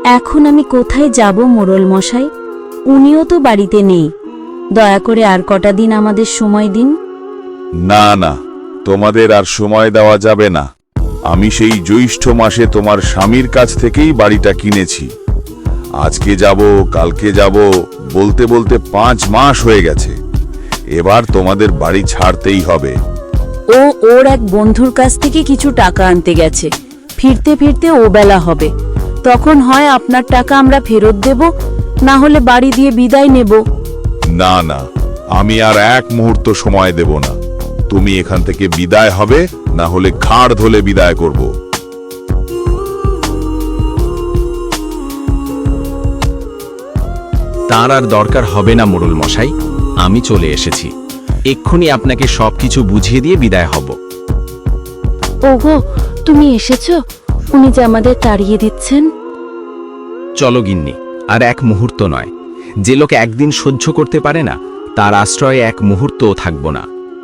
এখন আমি কোথায় যাব মোড়ল মশাই? উনিও তো বাড়িতে নেই। দয়া করে আর কটা দিন আমাদের সময় দিন। না না, তোমাদের আর সময় দেওয়া যাবে না। আমি সেই জ্যৈষ্ঠ মাসে তোমার স্বামীর কাছ থেকেই বাড়িটা কিনেছি। আজকে যাব, কালকে যাব বলতে বলতে 5 মাস হয়ে গেছে। এবার তোমাদের বাড়ি ছাড়তেই হবে। ও ওর এক বন্ধুর কাছ থেকে কিছু টাকা আনতে গেছে। ফিরতে ফিরতে ও বেলা হবে। তখন হয় আপনার টাকা আমরা ফেরত দেব, না হলে বাড়ি দিয়ে বিদায় নেব। না না, আমি আর এক মুহূর্ত সময় দেব না। তুমি এখান থেকে বিদায় হবে, না হলে ঘাড় ধরে বিদায় করব। তার আর দরকার হবে না মোড়ল মশাই, আমি চলে এসেছি। এক্ষুনি আপনাকে সবকিছু বুঝিয়ে দিয়ে বিদায় হব। ওগো, তুমি এসেছো? উনি যে আমাদের তাড়িয়ে দিচ্ছেন। চলো গিন্নি, আর এক মুহূর্ত নয়। যে লোক একদিন সহ্য করতে পারে না, তার আশ্রয়ে এক মুহূর্তও থাকব না।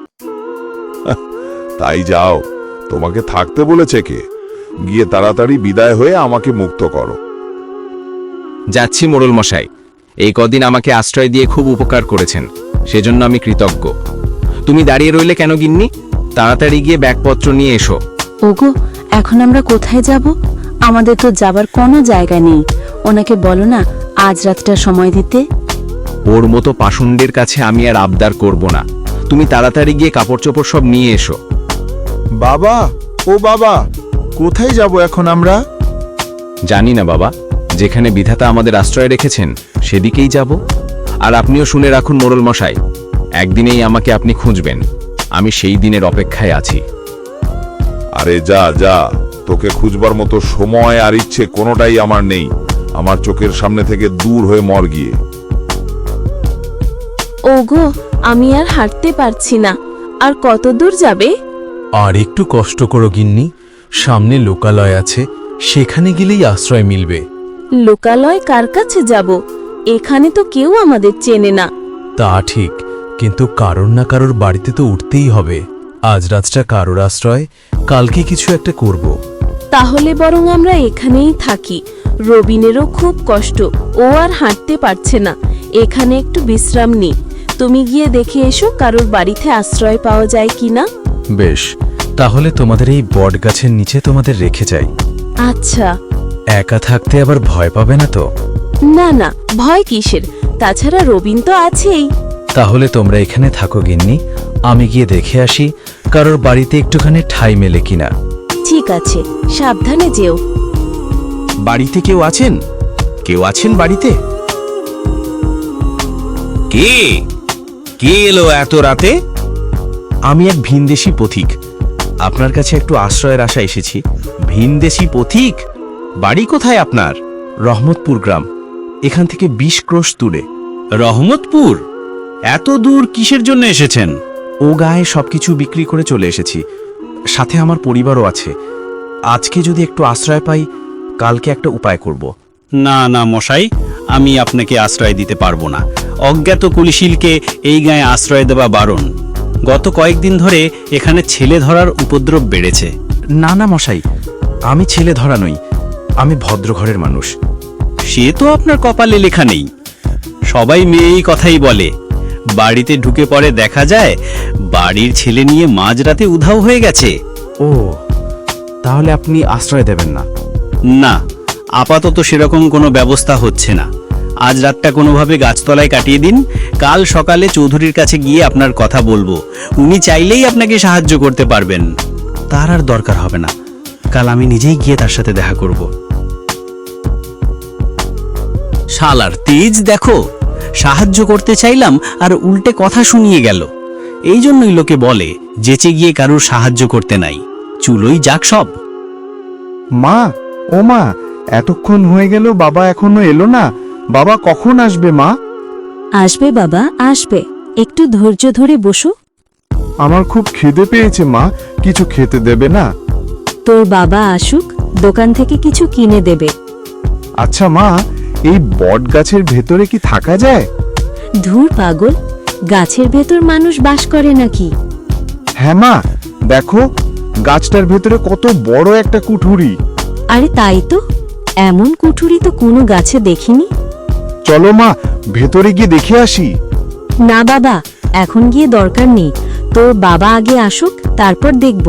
তাই যাও, তোমাকে থাকতে বলেছে কে? গিয়ে তাড়াতাড়ি বিদায় হয়ে আমাকে মুক্ত করো। যাচ্ছি মোড়ল মশাই। এই কদিন আমাকে আশ্রয় দিয়ে খুব উপকার করেছেন, সেজন্য আমি কৃতজ্ঞ। তুমি দাঁড়িয়ে রইলে কেন গিন্নি? তাড়াতাড়ি গিয়ে ব্যাগপত্র নিয়ে এসো। ওগো, এখন আমরা কোথায় যাব? আমাদের তো যাবার কোনো জায়গা নেই। ওনাকে বলো না আজ রাতটা সময় দিতে। ওর মতো পাষণ্ডের কাছে আমি আর আবদার করব না। তুমি তাড়াতাড়ি গিয়ে কাপড় চোপড় সব নিয়ে এসো। বাবা, ও বাবা, কোথায় যাব এখন আমরা? জানি না বাবা, যেখানে বিধাতা আমাদের আশ্রয় রেখেছেন সেদিকেই যাব। আর আপনিও শুনে রাখুন মোড়ল মশাই, একদিনেই আমাকে আপনি খুঁজবেন। আমি সেই দিনের অপেক্ষায় আছি। আরে যা যা, তোকে খুঁজবার মতো সময় আর ইচ্ছে কোনোটাই আমার নেই। আমার চোখের সামনে থেকে দূর হয়ে মর গিয়ে। ওগো, আমি আর হাঁটতে পারছি না। আর কত দূর যাবে? আর একটু কষ্ট করো গিন্নি, সামনে লোকালয় আছে, সেখানে গেলেই আশ্রয় মিলবে। লোকালয় কার কাছে যাব? এখানে তো কেউ আমাদের চেনে না। তা ঠিক, কিন্তু কারোর না কারোর বাড়িতে তো উঠতেই হবে। আজ রাতটা কারোর আশ্রয়, কালকে কিছু একটা করব। তাহলে বরং আমরা এখানেই থাকি। রবিনেরও খুব কষ্ট, ও আর হাঁটতে পারছে না। এখানে একটু বিশ্রাম নি। তুমি গিয়ে দেখে এসো কারোর বাড়িতে আশ্রয় পাওয়া যায় কিনা। বেশ, তাহলে তোমাদের এই বট গাছের নিচে তোমাদের রেখে যাই। আচ্ছা। একা থাকতে আবার ভয় পাবে না তো? না না, ভয় কিসের? তাছাড়া রবিন তো আছেই। তাহলে তোমরা এখানে থাকো গিন্নি, আমি গিয়ে দেখে আসি কারোর বাড়িতে একটুখানি ঠাঁই মেলে কিনা। ঠিক আছে, সাবধানে যেও। বাড়িতে কেউ আছেন? কেউ আছেন বাড়িতে? কে কে এলো এত রাতে? আমি এক ভিনদেশী পথিক, আপনার কাছে একটু আশ্রয়ের আশা এসেছি। ভিনদেশী পথিক? বাড়ি কোথায় আপনার? রহমতপুর গ্রাম, এখান থেকে 20 ক্রোশ দূরে। রহমতপুর? এত দূর কিসের জন্য এসেছেন? ও গায়ে সবকিছু বিক্রি করে চলে এসেছি, সাথে আমার পরিবারও আছে। আজকে যদি একটু আশ্রয় পাই, কালকে একটা উপায় করব। না না মশাই, আমি আপনাকে আশ্রয় দিতে পারবো না। অজ্ঞাত কুলিশিলকে এই গায়ে আশ্রয় দেওয়া বারণ। গত কয়েকদিন ধরে এখানে ছেলে ধরার উপদ্রব বেড়েছে। না না মশাই, আমি ছেলে ধরা নই, আমি ভদ্র ঘরের মানুষ। সে তো আপনার কপালে লেখা নেই। সবাই মেয়ে এই কথাই বলে। বাড়িতে ঢুকে পড়ে দেখা যায় বাড়ির ছেলে নিয়ে মাঝরাতে উধাও হয়ে গেছে। ও, তাহলে আপনি আশ্রয় দেবেন না? না, আপাতত সেরকম কোনো ব্যবস্থা হচ্ছে না। আজ রাতটা কোনোভাবে গাছতলায় কাটিয়ে দিন। কাল সকালে চৌধুরীর কাছে গিয়ে আপনার কথা বলবো। উনি চাইলেই আপনাকে সাহায্য করতে পারবেন। তার আর দরকার হবে না, কাল আমি নিজেই গিয়ে তার সাথে দেখা করব। শালার তেজ দেখো, সাহায্য করতে চাইলাম আর উল্টে কথা শুনিয়ে গেল। এই জন্যই লোকে বলে যেচে গিয়ে কারুর সাহায্য করতে নাই, চুলোই যাক সব। মা, ও মা, এতক্ষণ হয়ে গেল বাবা এখনো এলো না। বাবা কখন আসবে মা? আসবে বাবা, আসবে। একটু ধৈর্য ধরে বসো। আমার খুব খিদে পেয়েছে মা, কিছু খেতে দেবে না? তোর বাবা আসুক, দোকান থেকে কিছু কিনে দেবে। আচ্ছা মা, এই বট গাছের ভেতরে কি থাকা যায়? ধুর পাগল, গাছের ভেতর মানুষ বাস করে নাকি? হ্যাঁ মা, দেখো গাছটার ভেতরে কত বড় একটা কুঠুরি। আরে তাই তো, এমন কুঠুরি তো কোনো গাছে দেখিনি। চলো মা, ভেতরে গিয়ে দেখে আসি। না বাবা, এখন গিয়ে দরকার নেই, তোর বাবা আগে আসুক, তারপর দেখব।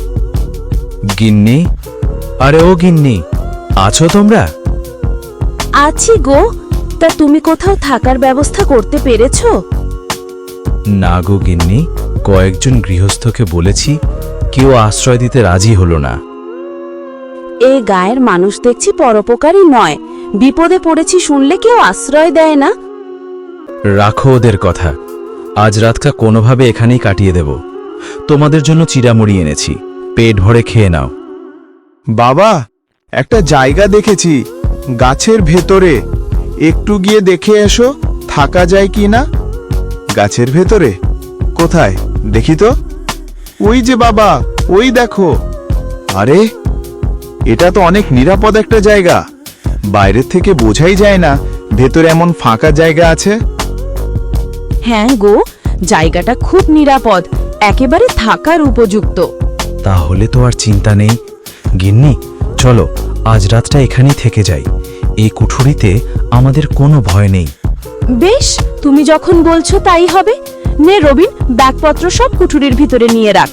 গিন্নি, আরে ও গিন্নি, আছো তোমরা? আছি গো। তা তুমি কোথাও থাকার ব্যবস্থা করতে পেরেছো? না গো গিন্নি, কয়েকজন গৃহস্থকে বলেছি, কেউ আশ্রয় দিতে রাজি হলো না। এ গায়ের মানুষ দেখছি পরোপকারী নয়, বিপদে পড়েছি শুনলে কেউ আশ্রয় দেয় না। রাখো ওদের কথা, আজ রাতটা কোনোভাবে এখানেই কাটিয়ে দেব। তোমাদের জন্য চিড়ামুড়ি এনেছি, পেট ভরে খেয়ে নাও। বাবা, একটা জায়গা দেখেছি গাছের ভেতরে, একটু গিয়ে দেখে এসো থাকা যায় কি না। গাছের ভেতরে? কোথায় দেখি তো। ওই যে বাবা, ওই দেখো। আরে, এটা তো অনেক নিরাপদ একটা জায়গা, বাইরের থেকে বোঝাই যায় না ভেতরে এমন ফাঁকা জায়গা আছে। হ্যাঁ গো, জায়গাটা খুব নিরাপদ, একেবারে থাকার উপযুক্ত। তাহলে তো আর চিন্তা নেই। গিন্নি, চলো আজ রাতটা এখানেই থেকে যাই। এই কুঠুরিতে আমাদের কোনো ভয় নেই। বেশ, তুমি যখন বলছো তাই হবে। নে রবিন, ব্যাগপত্র সব কুঠুরির ভিতরে নিয়ে রাখ।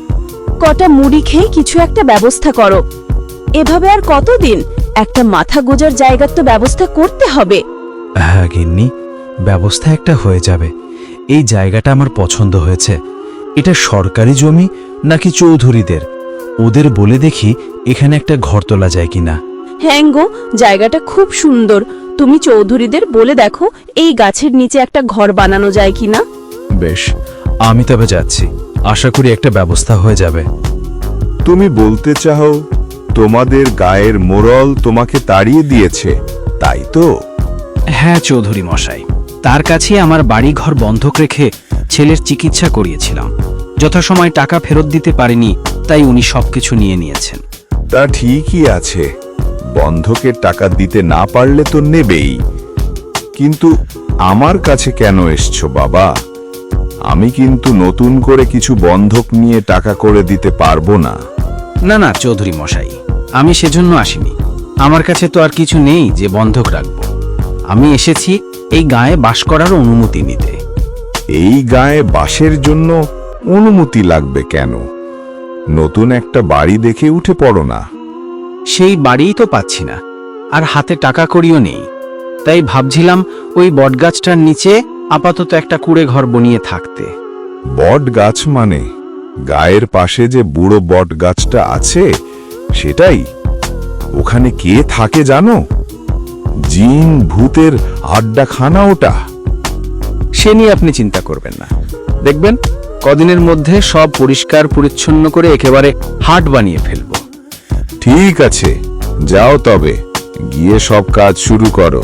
কটা মুড়ি খেয়ে কিছু একটা ব্যবস্থা করো। এভাবে আর কতদিন? একটা মাথা গোজার জায়গার তো ব্যবস্থা করতে হবে। হ্যাঁ গিন্নি, ব্যবস্থা একটা হয়ে যাবে। এই জায়গাটা আমার পছন্দ হয়েছে। এটা সরকারি জমি নাকি চৌধুরীদের? ওদের বলে দেখি এখানে একটা ঘর তোলা যায় কিনা। হ্যাঁ গো, জায়গাটা খুব সুন্দর। তুমি চৌধুরীদের বলে দেখো এই গাছের নিচে একটা ঘর বানানো যায় কিনা। বেশ, আমি তবে যাচ্ছি, আশা করি একটা ব্যবস্থা হয়ে যাবে। তুমি বলতে চাও তোমাদের গায়ের মোড়ল তোমাকে তাড়িয়ে দিয়েছে, তাই তো? হ্যাঁ চৌধুরী মশাই, তার কাছে আমার বাড়ি ঘর বন্ধক রেখে ছেলের চিকিৎসা করিয়েছিলাম। যথাসময় টাকা ফেরত দিতে পারিনি, তাই উনি সবকিছু নিয়ে নিয়েছেন। তা ঠিকই আছে, বন্ধকের টাকা দিতে না পারলে তো নেবেই। কিন্তু আমার কাছে কেন এসছো বাবা? আমি কিন্তু নতুন করে কিছু বন্ধক নিয়ে টাকা করে দিতে পারবো না। না না চৌধুরী মশাই, আমি সেজন্য আসিনি। আমার কাছে তো আর কিছু নেই যে বন্ধক রাখব। আমি এসেছি এই গায়ে বাস করার অনুমতি নিতে। এই গায়ে বাসের জন্য অনুমতি লাগবে কেন? নতুন একটা বাড়ি দেখে উঠে পড়ো না। সেই বাড়িই তো পাচ্ছি না, আর হাতে টাকা কড়িও নেই। তাই ভাবছিলাম ওই বটগাছটার নিচে আপাতত একটা কুড়ে ঘর বনিয়ে থাকতে। বট গাছ মানে গায়ের পাশে যে বুড়ো বট গাছটা আছে সেটাই? ওখানে কে থাকে জানো? জিন ভূতের আড্ডাখানা ওটা। সে নিয়ে আপনি চিন্তা করবেন না, দেখবেন কদিনের মধ্যে সব পরিষ্কার পরিচ্ছন্ন করে একেবারে হাট বানিয়ে ফেলব। ঠিক আছে, যাও তবে, গিয়ে সব কাজ শুরু করো।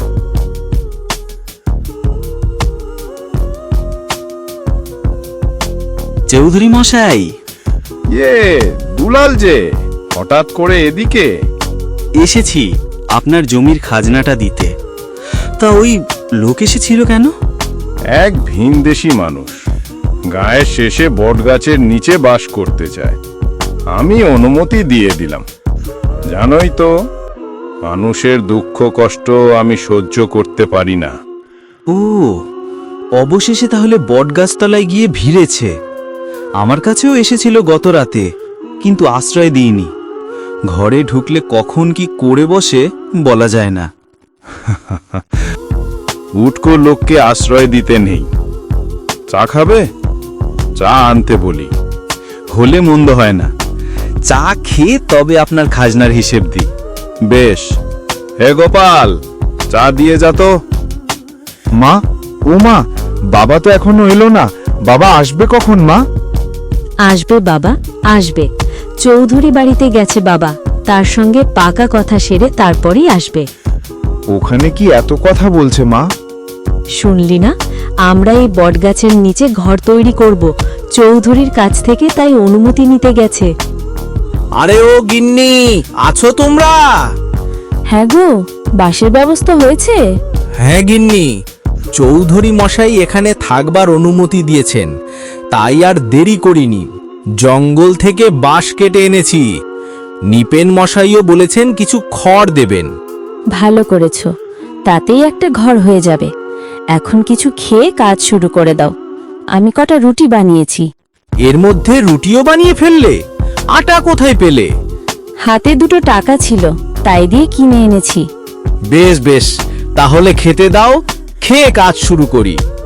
চৌধুরী মশাই, দুলাল যে হঠাৎ করে এদিকে? এসেছি আপনার জমির খাজনাটা দিতে। তা ওই লোক এসেছিল কেন? এক ভিনদেশী মানুষ গায়ের শেষে বটগাছের নিচে বাস করতে চায়। আমি অনুমতি দিয়ে দিলাম। জানোই তো, মানুষের দুঃখ কষ্ট আমি সহ্য করতে পারি না। ও, অবশেষে তাহলে বটগাছতলায় গিয়ে ভিড়েছে। আমার কাছেও এসেছিল গত রাতে, কিন্তু আশ্রয় দিইনি। ঘরে ঢুকলে কখন কি করে বসে বলা যায় না। উটকো লোককে আশ্রয় দিতে নেই। চা খাবে? চা আনতে বলি। হলে মন্দ হয় না, চা খেয়ে তবে আপনার খাজনার হিসেব দিই। বেশ। হে গোপাল, চা দিয়ে যা তো। মা, ও মা, বাবা তো এখনো এলো না। বাবা আসবে কখন মা? আসবে বাবা, আসবে। চৌধুরী বাড়িতে গেছে বাবা, তার সঙ্গে পাকা কথা সেরে তারপরেই আসবে। ওখানে কি এত কথা বলছে মা? শুনলি না, আমরা এই বটগাছের নিচে ঘর তৈরি করব। চৌধুরীর কাছ থেকে তাই অনুমতি নিতে গেছে। আরে ও গিন্নি, আছো তোমরা? হ্যাঁ গো, বাসের ব্যবস্থা হয়েছে? হ্যাঁ গিন্নি, চৌধুরী মশাই এখানে থাকবার অনুমতি দিয়েছেন, তাই আর দেরি করিনি। জঙ্গল থেকে বাঁশ কেটে এনেছি। নিপেন মশাইও বলেছেন কিছু খড় দেবেন। ভালো করেছো, তাতেই একটা ঘর হয়ে যাবে। এখন কিছু খেয়ে কাজ শুরু করে দাও। আমি কটা রুটি বানিয়েছি। এর মধ্যে রুটিও বানিয়ে ফেললে? আটা কোথায় পেলে? হাতে দুটো টাকা ছিল, তাই দিয়ে কিনে এনেছি। বেশ বেশ, তাহলে খেতে দাও, খেয়ে কাজ শুরু করি।